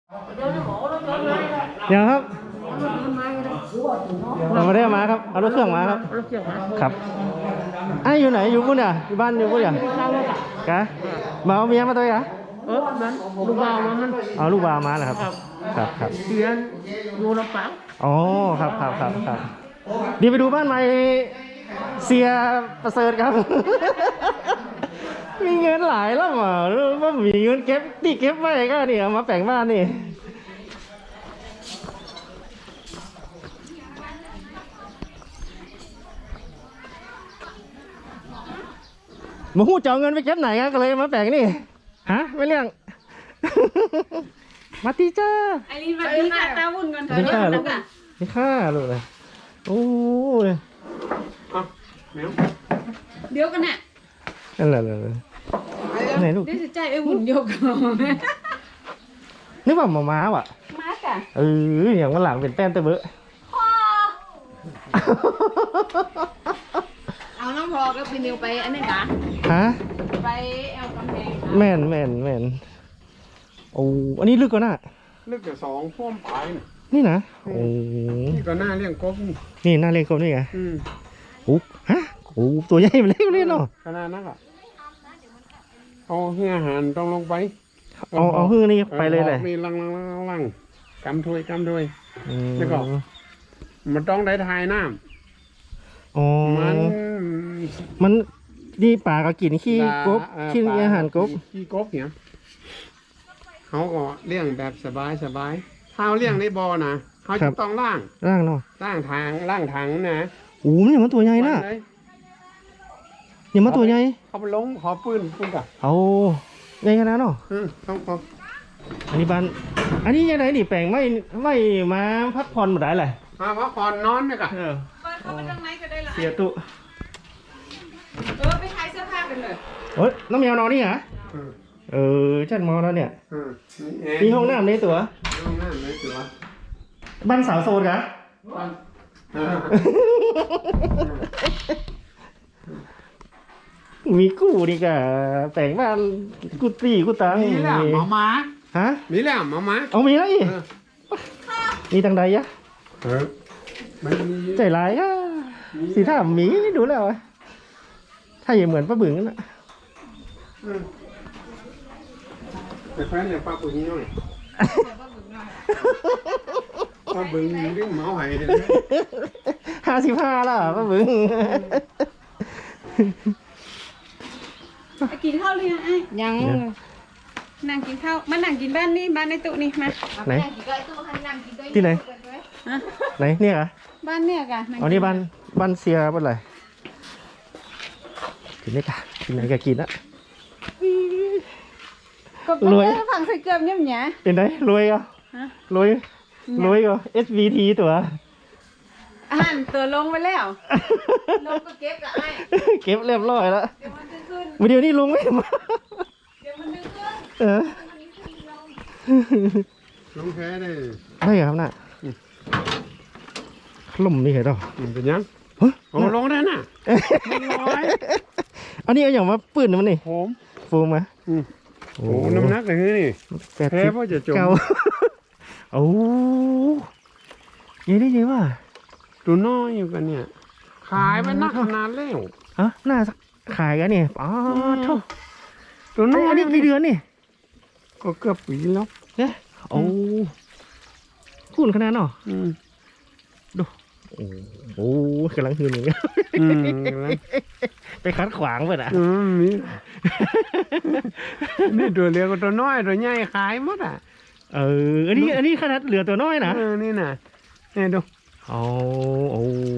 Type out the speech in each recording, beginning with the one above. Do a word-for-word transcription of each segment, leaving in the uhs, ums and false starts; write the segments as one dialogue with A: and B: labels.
A: เดี๋ยวครับเราไม่ได้มาครับเอารถเครื่องมาครับครับไอ้อยู่ไหนอยู่พุ่นอ่ะอยู่บ้านอยู่พุ่นอ่ะกะมาเอาเมียมาตัวอ่ะ
B: เออมันลูกบ่าวมัน
A: เอาลูกบ่าวมาเหรอครับครับครับ
B: เรียนอยู่ลำปาง
A: อ๋อครับครับครับครับเดี๋ยวไปดูบ้านใหม่เสียประเสริฐครับมีเงินหลายแล้วอ่ะว่ามีเงินเก็บที่เก็บไว้ก็เนี่ยมาแปลงบ้านนี่มาหู้จะเอาเงินไปเก็บไหนกันก็เลยมาแปลงนี่ฮะไม่เรื่องมาตีจ้า
C: ไอ้นี่มาดีค่ะตาวุ่นกันเถอะ
A: นี่ค่าลูกนี่ค่าลูกเลยโอ้ย
C: เดี๋ยวกันน่ะ
A: นั่นแหละเลยไหนลูก
C: ได้สิใจไอ้วุ่นโยก
A: นึกว่าหมาม้าว่ะ
C: มาจ้ะ
A: เอออย่างวันหลังเป็นแป้นเตะเบอะ
C: เอาน้องพอก็พี่นิวไปอันนี้นะ
A: ฮะ
C: ไปแอลกำแพง
A: แม่นแม่นแม่นโอ้อันนี้ลึกกว่าน่ะ
B: ลึกแต่สองพ่วมปลาย
A: นี่นะโอ้
B: นี่ก็หน้าเลี้ยงกบ
A: นี่น่าเล่นกบนี่ไง
B: อืม
A: โอ้ฮะโอ้ตัวใหญ่มาเล่นเล่นเนาะ
B: ขนาดนั้นอ่ะเอาเฮืออาหารต้องลงไป
A: เอาเอาหื้อนี่ไปเลยเลย
B: มีลังลังลังลังกำถ้วยกำถ้วย
A: อืม
B: แล้วก็ มันต้องได้ทายน้
A: อ๋อ
B: ำมัน
A: มันนี่ป่าก็กินขี้กบ
B: เอ่อ
A: ขี้อาหารกบ
B: ขี้กบเนี่ยเขาก็เลี้ยงแบบสบายสบายถ้าเอาเลี้ยงในบ่อนะเขาจะต้องล่าง
A: ร่างเนาะ
B: ล่างทางล่างถังนะ
A: โอ้มันอย่างมันตัวใหญ่น่ะ
B: เลย
A: อย่างมันตัวใหญ่
B: เขาไปลงขอปืนปืนกับ
A: เอาใหญ่ขนาดเนาะ
B: อืมต้องขอ
A: อันนี้บ้านอันนี้ยังไงนี่แปลงไม่ไม่มาพักผ่อนหมดได้เลย
B: มาพักผ่อนนอนเนี่ยกะ
A: เออ
C: เปิดเข้าไปทางไหนก็ได้ละ
A: เสียตุ
C: เออไปขายเสื้อผ้ากันเลย
A: เฮ้ยน้องแมวนอนนี่เหรอ
B: อืม
A: เออจัดมอแล้วเนี่ย
B: อืม
A: มีห้องน้ำในตัว
B: ห้องน้ำในตัว
A: บ้านสาวโซนกะ
B: อ่า
A: มีกู้นี่กะแปลงบ้านกุฏิกุตัง
B: มีแหละหมาม้า
A: ฮะ
B: มีแหละหมาม้า
A: เอามีแล้วอีก
B: เออ
A: มีตังใดยะ
B: เออมันมี
A: ใจร้ายอะสีท่าหมีดูแล้วอะถ้าอย่างเหมือนป้าบึงนั่นน่ะ
B: อืมแต่แฟนเนี่ยป้าบึงหน่อยป้าบึงเรื่องหมาไหายเนี่ย
A: ห้าสิบห้าแล้วป้าบึง
C: ไปกินข้าวหรือยังไอ้ยังนั่งกินข้าวมานั่งกินบ้านนี่บ้านในตู้นี่มา
A: ไหนที่ไหน
C: ฮะ
A: ไหนเนี่ยเหรอ
C: บ้านเนี่ยกะ
A: อ๋อนี่บ้านบ้านเสียบ้านอะไรกินได้กะกินไหนก็กินละ
C: ก็
A: รวย
C: ไปฝั่งใส่เกลือเนี่ยมั้ย
A: เป็นไงรวยก็
C: ฮะ
A: รวยรวยก็ เอส วี ที ตัว
C: อาหารตัวลงไปแล้วลงก็เก็บละไอ้
A: เก็บเรียบร้อยแล้ว
C: เดี๋ยวมันดึงขึ้น
A: มาเดี๋ยวนี้ลุงไม่มา
C: เดี๋ยวมันดึงขึ้น
A: เออ
B: ลงแพ้ได้
A: ได้ครับน่ะขลุ่มนี่เหรอ
B: มันเป็นยัง
A: เฮ้ย
B: โอ้ลงได้น่ะมันลอย
A: อันนี้เอาอย่างมาปืนมันนี่
B: โหม
A: ฟูมา
B: อืมโอ้น้ำหนักเลยนี่
A: แปด
B: แพ้
A: สิบ
B: เพราะจะจม
A: เก้าโอ้ยังได้ยังว่า
B: ตัวน้อยอยู่กันเนี่ย ขายไปนักขนาดแล้ว
A: ฮะน่าสักขายกันนี่อ๋อโถ่
B: ตัวน้อย
A: อันนี้กี่เดือนนี่
B: ก็เกือบปีแล้ว
A: เนี่ยโอ้คุณขนาดเนาะ
B: อืม
A: โอ้โหกำลังหืนอย่างเงี้ย
B: อืม
A: ไปคัดขวางไปอ่ะ
B: อืมนี่นี่ตัวเล็กกับตัวน้อยตัวใหญ่ขายหมดอ่ะ
A: เอออันนี้อันนี้ขนาดเหลือตัวน้อยนะ
B: เออนี่น่ะนี่ดู
A: โอ้โอ้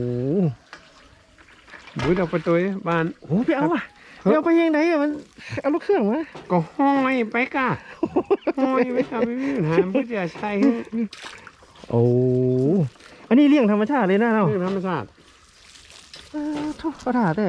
B: บุ้ยเราไปตัวบ้าน
A: โหไปเอาว่ะไปเอาไปยังไงอะมันเอาลูกเครื่องมา
B: ก็ห้อยไปก่ะห้อยไปก่ะไม่มีปัญหาเพื่อจะใช้
A: โอ้อันนี้เลี้ยงธรรมชาติเลยนะเรา
B: เรื่องธรรมชาติ
A: เออทุกประถาแต่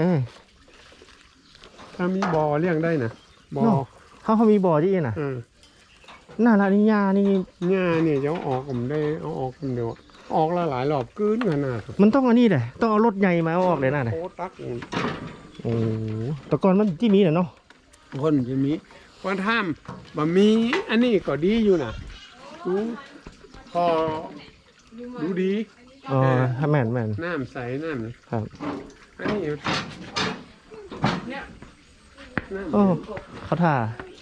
B: ถ้ามีบ่อเลี้ยงได้นะบ่อ
A: เขาเขามีบ่อที่น่ะ
B: เออ
A: หน้าร้านนิยานี่
B: เนี่ยเนี่ยจะเอาออกผมได้เอาออกผมเดียวออกละหลายรอบกลืนขนาด
A: มันต้องอันนี้แหละต้องเอารถใหญ่มาเอาออกเลยนะเนี่ย
B: โอ้ตักอุ่น
A: โอ้แต่ก่อนมันที่มีน่ะเนาะ
B: คนจะมีวันท่ามบะมีอันนี้ก็ดีอยู่นะดูพอดูดี
A: อ๋อแม่นแม่น
B: น้ำใสน้ำ
A: ครับ
B: อันนี้เนี่ยน้ำ
A: โอ้เขาท่า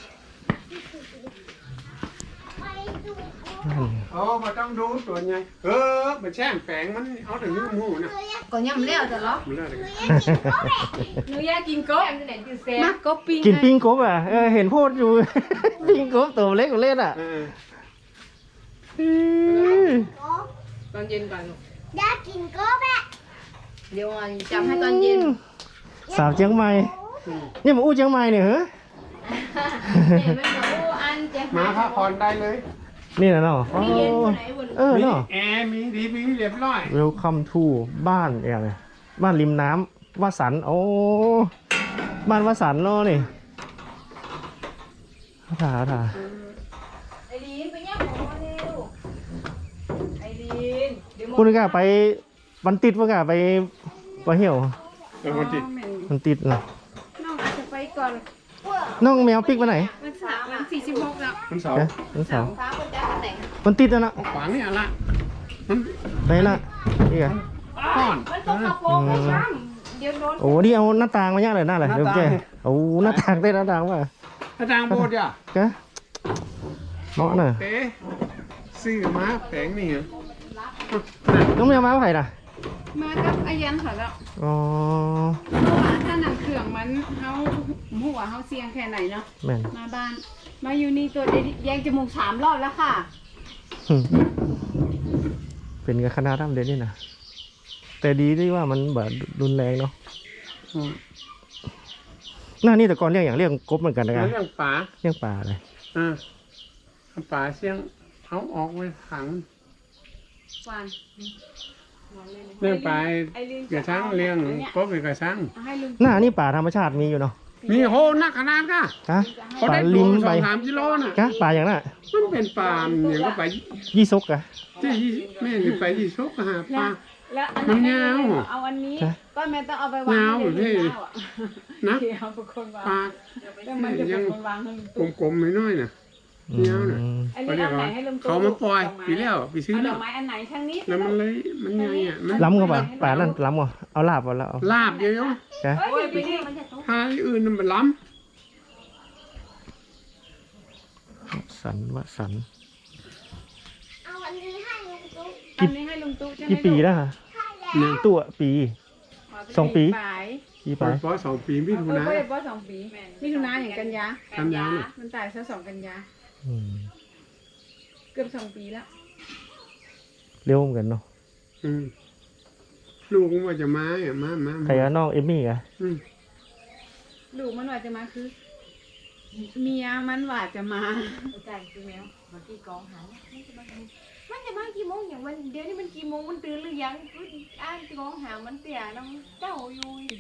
A: นั่น
B: โอ้มาต้องดูตัวไงเออมันแช่แฝงมันเอาถึงนิ้วมือนะ
C: ก็ยำแล้วแต่ละ
B: มันเลิศเลย
C: หนูอยากกินกบมักกบปิ้ง
A: กินปิ้งกบอ่ะเออเห็นโพดอยู่ ปิ้งกบตัวเล็กกว่าเล่นอ่ะ
B: เออ
A: อืม
C: ตอนเย็นก่อน
D: อยากกินก็แบบ
C: เดี๋ยวจำให้ตอนเย็น
A: สาวเชียงใหม่นี่มาอู้เชียงใหม่เนี่ยเหรอ
C: เดี๋ยวไม่บอกอันจะ
B: มาพักผ่อนได้เลย
A: นี่นะเนาะโอ้เออ
B: มี
A: เนาะ
B: แอร์มีดีมีเรียบร้อย
A: Welcome to บ้านอย่างไรบ้านริมน้ำวสันต์โอ้บ้านวสันต์เนาะนี่เขาถ่าเขาถ่า
C: ไอรีนไปย่างหมูเร็วไอรีนเดี๋ยว
A: คุณก็ไปวันติดว่ากะไปไปเหี่ยว
B: เออคนจิต
A: มันติดนะ
C: น้องอาจจะไปก่อน
A: น้องแมวปิกไปไหน
C: วันสามวันสี่สิบหกแล้ว
B: มันเสาร์
A: เอ๊ะวันเสาร์
C: ฟ้าคนจะมาแต่ง
A: มันติดแล้วนะ
B: เอาขวางนี่อะไรมัน
A: ไหนล่ะนี่ไง
B: ก้อน
C: มันตกกระโปรงไม่ช้ำเดี๋ยวโดน
A: โอ้นี่เอาหน้าต่างมาย่างเลยหน้าเลยเดี๋ยวเจ๊โอ้หน้าต่างได้หน้าต่างว่ะ
B: อาจารย์โบดอ่ะ
A: กะเหมาะน่ะ
B: เอ๊ะซื้อมาแผงนี่เหรอ
A: น้องแมวมาเมื่อไหร่น่ะ
C: มากับอายันเขาแล้ว
A: อ๋อ
C: เพราะว่าถ้าหนังเครื่องมันเฮาหัวเฮาเสียงแค่ไหนเนาะ
A: แม่น
C: มาบ้าน มาอยู่นี่ตัวเดียวแยงจมูกสามรอบแล้วค่ะ
A: หึเป็นกับคณะทำเด่นนี่นะแต่ดีที่ว่ามันแบบรุนแรงเนาะ
B: อืม
A: หน้านี่แต่ก่อนเรียกอย่างเรียกกบเหมือนกันนะค
B: แล้
A: รั
B: ว
A: บ
B: เรื่องป่า
A: เรียกป่าเลย
B: อ่าเอาป่าเสียงเอาออกไว้ขัง
C: วาน
B: เรื่องป่าเกระชังเลี้ยงกบเป็นกระชัง
C: ให้ลุง
A: หน้านี่ป่าธรรมชาติมีอยู่เนาะ
B: มีโหนักขนาดก่ะ
A: กะ
B: เขา
A: ป่า
B: ได้
A: ลิ
B: ตัว
A: ม
B: ส
A: ใบ
B: องสามกิโลน่ะ
A: กะป่าอย่างน่ะ
B: มันเป็นป่าเนี่ยก็ไป
A: ยี่ซกกะ
B: ที่ยี่แม่จะไปที่ชกหาปลา
C: แล้วอัน
B: มัน
C: นี้
B: ยาว
C: เอาอันนี้
A: ฮะ
C: ก็แม่ต้องเอาไปวาง
B: ยาว
C: ให้
B: พี่
C: เด็กๆอะ
B: นะ
C: เดี๋ยวเอาเป็นคนวาง
B: ปลา
C: แล้วมันจะเป็นคนวางให้ลุงตุ๊ก
B: กลมๆน้อยๆน่ะ
A: อื
B: เดี๋ยวน่ะ
A: ม
C: อัน
B: เขา
C: นี้
B: เรีย
C: เอา
B: ก
C: ไหน
B: ว่า
C: ให้ลุงตุ๊ก
B: เขามาปล่อย
C: ดกไม้
B: ปีแล้วปีซื้อ
C: เอาด
B: แล้
C: อ
B: ว
C: กไม้อันไหนทางนี้
B: แล้วมันเลยมันใหญ่อ่ะมัน
A: ล้ำกับป่าป่านั่นล้ำกว่าเอาลาบเอาแล้วเอา
B: ลาบเยอะ
A: กะ
C: เอ้ยเดี๋ยวนี้มันจะตุ๊ก
B: ๆถ้าอื่นมันล้
A: สันวสัน
D: เอาอันนี้ให้ลุงตุ๊ก
C: อันนี้ให้ลุงตุ๊กใช่ไหม
A: กี่ปีแล้วฮะ
B: ำเนี่ย
A: ตัวปี สองปี
C: ปลาย
A: ปี
B: ป
A: ไป
B: ล่อยปล่อยสองปีมิถุ
C: เออ
B: นา
C: ก็เลยป้อสองปีมิถุนาอย่างกันยา
B: กันยาน่ะ
C: มันตายซะสองกันยา
A: อืม
C: เกือบสองปีแล้ว
A: เร็วเหมือนกันเนาะ
B: อืมลูกมันว่าจะมาอ่ะมามา
A: ใครอะน้องเอมมี่กะ
B: อืม
C: ลูกมันว่าจะมาคือ เมียมันว่าจะมา
D: จ่ายคือแมวมาที่กองหางมันจะมากี่โมงอย่างวันเดี๋ยวนี้มันกี่โมงมันตื่นหรือยังอ่านกองหางมันเตี่ยน้ำเจ้าอยู่